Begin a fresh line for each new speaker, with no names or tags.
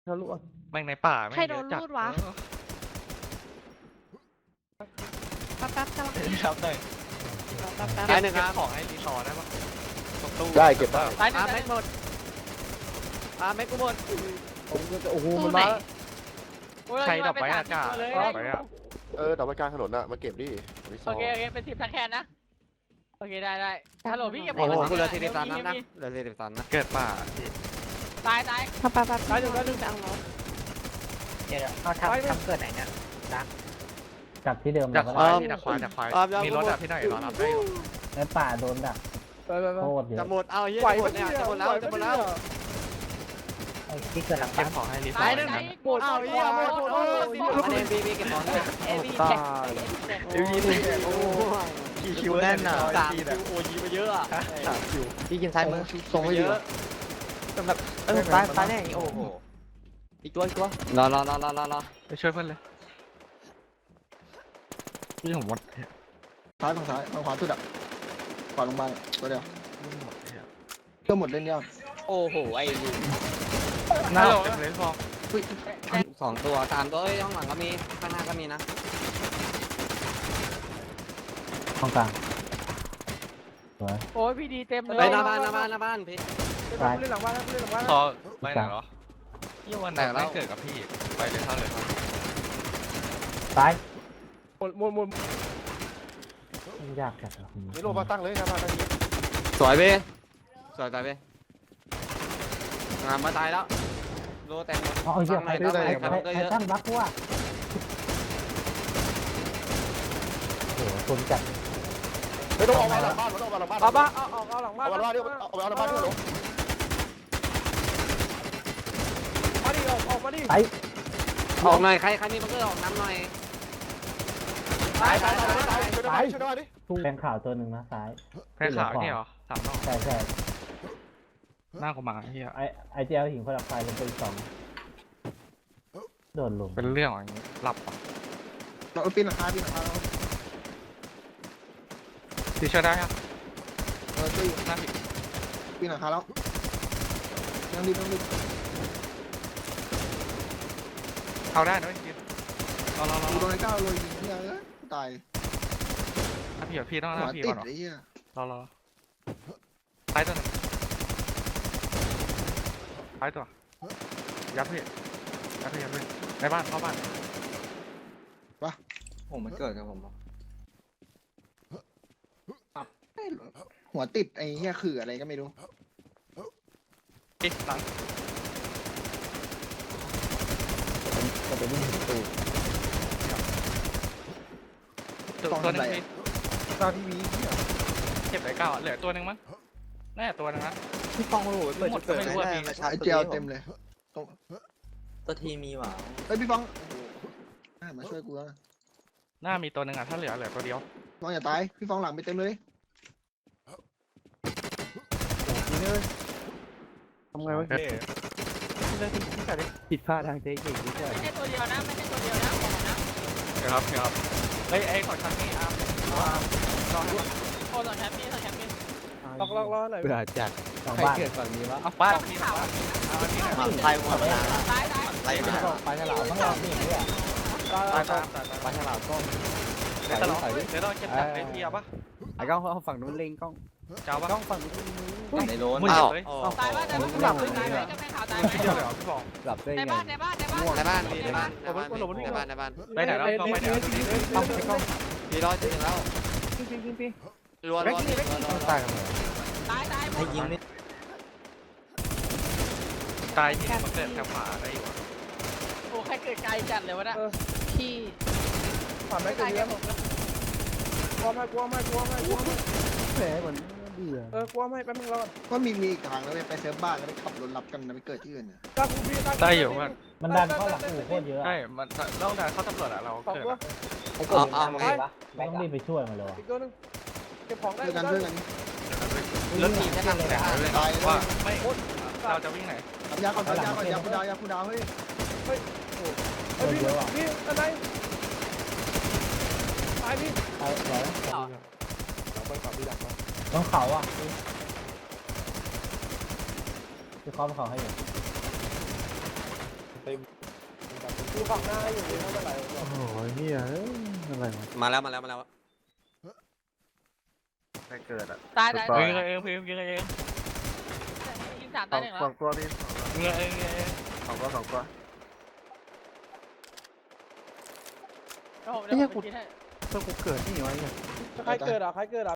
ทะลุอ่ะ
แม่งในป่าแม่ง
ใครโด
เย
น
อะจัด
รูดวะ แป๊บๆกำลัง
ครับหน่อย
แป๊บ
ได้หนึ่งครับของให้รีสอร์ได้ปะตรงตู้
ได้เก็บได้
ตายหนึ่งแม็กหมดแม็กกูหมด
ผมก็จะโอ้โห
ๆตู้
มัน
ไหน
มา
ใครดับไว้อากาศ
เลย
ดับไว้อะ
แต่ว่ากลางถนนน่ะมาเก็บดิ
โอเคเป็น10ทักแคนนะโอเคได้ฮัลโหลพี่เก็บ
โอ้โหกูเหลือ43นัดนะเหลือ43นัด
เกิดป่า
ตาย
แป๊บๆไปเอารถ
เดี๋ยวเขาทำเกิดไหนเนี่ย
กลับที่เดิม
จาก
แล้ว
ควาย
ก็
จากควายจากควายมีรถอะพี่หน่อยรอรับได้อยู่
ในป่าโดนดักโคตรเย
จะ
อะ
หมดเอาเยอะหมดเนี่ยจะหมดแล้วจะหมดแล้ว
ไอ้ที่เกิดหลัง
เก็
บ้า
บ
น
ของให้รีสอ
ตาย
ร์
หนึ่ง
นะ
หมดเอาเหี้ยหมด
อันนี้บีเก็บของเนี่ย
เอวีแท็ก
เอวีโอ้กี่คิวแน่นอ่ะ
3คิวโอ้ยมาเยอะอ่ะ
3 คิว
พี่กินซ้ายมือส่งให้อยู่สำหรับตายแน่โอ้โหอีกตัวรอ
ไปช่วยเพื่อนเลยนี่ผมหมด
ซ้ายฝั่งซ้ายฝั่งขวาสุดอ่ะขวาลงมาตัวเดียวก็หมดเล่นยาก
โอ้โหไอ้ลู
หน้าเต็มเลยฟอง
2ตัว3ตัวเอ้ยข้างหลังก็มีข้างหน้าก็มีนะ
ห้องกลางสวย
โอ้ยพี่ดีเต็มเลย
ไปหน้าบ้านพี่
เล่นหลังบ้านเล่นหลังบ้าน
พอไปไหนเหรอยี่วันไหนไม่เกิดกับพี่ไปเลยเท่าเลย
ซ้าย
หมด
มันยากจัดอะ
นี่โลมาตั้งเลยนะมาตั้งนี้
สวยเบ้สวยเบ้งานมาตายแล้วโลแต่ง
อ๋อเหี้ยใครตั้งบักวะโอ้โหคนจัด
ไม่ต้องเอามาหลังบ้านไม่ต้องเอามาหลังบ้าน
เอาบ้าเอาหลังบ้าน
เอามาหลังบ้านดิเอาหลังบ้านดิ
มาดิออกมาดิ
ไป
ออกหน่อยใครมีบังเกอร์ออกน้ำหน่อย
ตาย
ช่วยด้วยดิ
ทุ่งแดงขาวตัวหนึ่งนะซ้าย
แพ้ขาวนี่เหรอสามรอบ
ใช่
หน้ากูมาเฮีย
ไอเจลหิงพลังไฟลงไปอีก2โดนลง
เป็นเรื่องอย่างนี้หลับอ่ะ
เราปีนหลังคาแล้ว
พี่ช่วยได้ครับ
ช่วย
หน้าผิด
ปีนหลังคาแล้วยังรีบ
เอาได้นะจริงรอ
ดูโดนไอ้ก้าวเลยเนี่ยตาย
ถ้าพี่ต้องห
หัว
น้าพี่
ติ
ก่
ด
อน
ไอ้เหี้ย
รอท้ายตัวนึงท้ายตัวยัดพี่ในบ้านเข้าบ้าน
ผมมันเกิดกับผม
หัวติดไอ้เหี้ยคืออะไรก็ไม่รู้
หลัง
ก็ไปวิ่งตู
ตัวนึงพี่
ตาทีวี
เก็บไหนเก้าเหลือตัวนึงมั้งน่าจะตัวนึงนะ
พี่ฟองโอ้โหเปิดจุดเกิดไม่ได้มาชาร์
ไอ้
จ
เจลเต็มเลย
ตัวทีมีหว่า
เฮ้ยพี่ฟังมาช่วยกูแล้ว
หน้ามีตัวนึงอ่ะถ้าเหลือตัวเดียว
ฟังอย่าตายพี่ฟังหลังไปเต็มเลย
ทำไงวะ
ผิดพลาดทางเทคนิคนิดหน่อย
ไม่ใช่ตัวเดียวนะไม่ใช่ตัวเดียวนะบอกนะ
เดี๋ยวครับเฮ้ยไอ้ขอชั้นนี่อาร์มรอให้
โอ้สองแชมป์นี่สองแชมป์นี่
ล็อกหน่อย
เบื่อจัดสอง
ใคร
บ้าน
เกิดฝั่งนี้วะ
เอาบ้านพี่เอาอันนี้หน่อย
ไทยหมดแล้ว
ตาย
ไล่มา
ไปฉลามต้องรอบนี่เนี่ย
ตาย
ปลาฉลามก็
เดี๋ยวเราเก็บจากไอ้พี่เอาปะ
ไอ้กล้องเขาฝั่งนู้นเล็งกล้อง
เจ้าปะ
กล้องฝั่งนู้น
ในโลน
มึงเหยียบเลย
ตายบ้านตายบ้านหลับตายไหมจะไม่ข่าวตายไหม
พี่เดียวเลยเหรอพี่บอก
หลับได้
ใน
ไง
บ้าน
ในบ้าน
ไปไหนแล้วต้องไปไหน
พี่รอดจริงแล้วรัว
ตายกันเลย
ตายให้ยิงนี่
ตายที่มันเกิดแถวขวาได้อยู่
โอ้ใครเกิดไกลจัดเลยวะนะ
พี่
ผ่านไม่
ไกล
เกิน
แค่ผม
กลัวไม่
แผลเหมือนเบื่อก
ลัวไม่แป๊บนึงรอ
ก็มีอีกทางแล้วไปเซิร์ฟบ้านแล้วไปขับรถรับกันไปเกิดที่อื่น
ตั้งกูพี่ตั้ง
ได้อยู่มัน
มันดันเข้าหลังอู่โคตรเยอะ
ใช่มันต้องการเข้าตำรวจอะเรา
สอง
เกิด
ตัว
ต้องรีบไปช่วยมันเลย
อีกตัวนึงเก็บของได้
ช่วยกันช่วยกัน
รถทีใช่ไหม
แต่เลยว่าไม่เราจะวิ่งไหน
ยาก่อนยาคูดาวเฮ้ย
พี่อะไรตายพี่
ไปไหน
เราไปกับพี่ดักนะ
ต้องเขาอ่ะคือเขาให้อยู่
เต็มกูฝั่งหน้าอยู่นี่ไม่เป็นไรหรอก
โอ้โหเฮียอะไรวะ
มาแล้ว
ไม่เกิดอ่ะ
ตายตาย
ยิง
เองพิมยิงเองยิงสาม
ส
ตา
อย ง
หนึ่ง
ส
แล้
อ
ว
งตัวพี่
ยิงเองยิงเอง
สองตัว
แล้วผมเดี๋ยวผมกินให้
เพื่อกูเกิดนี่วะเนี่ย
ใครเกิดอ่ะ